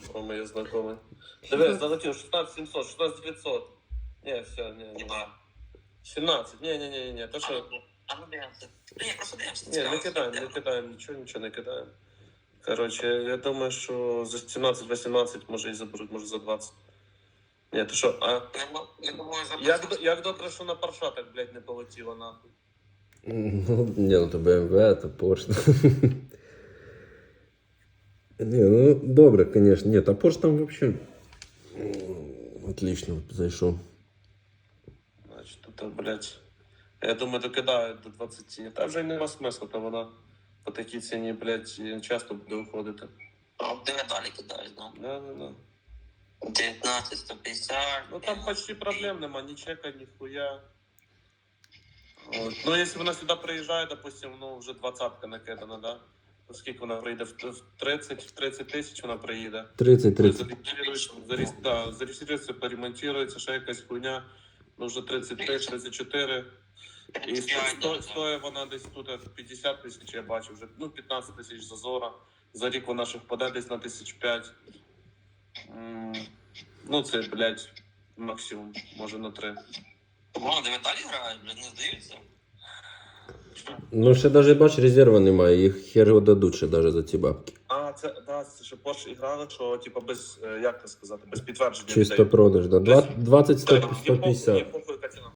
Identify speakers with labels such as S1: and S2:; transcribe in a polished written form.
S1: О, мои знакомые. Давай, залетел 16 700, 16 900. Не, все, не. 17, не, то что...
S2: А ну дивимося. Ні, просто дивимося.
S1: Не кидаем, ничего не кидаем. Короче, я думаю, что за 17-18 може і заберуть, може за 20. Ні, ти що, а?
S2: Я думаю, за
S1: Як добре, що на парша так, блядь, не полетіло, нахуй.
S3: Ну, не, ну то BMW, то Porsche. Не, ну добре, конечно. Нет, а Porsche там вообще отлично зайшов.
S1: Значить, тут, блядь, я думаю, докидають до 20. Та вже й нема смисла, то вона по такій ціні, блядь, часто буде виходити.
S2: А де далі кидають, да?
S1: Да.
S2: 19, 150.
S1: Ну там почти проблем нема, ні чека, ні хуя. От. Ну, якщо вона сюди приїжджає, допустим, ну вже 20-ка накидана, да? То скільки вона приїде? В 30 тисяч вона приїде.
S3: 30-30.
S1: Зареєструється, поремонтується, ще якась хуйня. Ну вже 33-34. І стоїть вона десь тут 50 тисяч, я бачу, вже, ну 15 тисяч зазора. За рік вона ще впаде десь на 1005. Ну це, блядь, максимум, може на 3.
S2: Вона де далі грають, блядь, не здаються.
S3: Ну, ще навіть, бач, резерва немає, їх хер його дадуть ще навіть за ці бабки.
S1: А, це ще Porsche іграли, що, типу, без, як це сказати, без підтвердження.
S3: Чисто продаж, да. 20-150.
S1: Є похуй, яка ціна.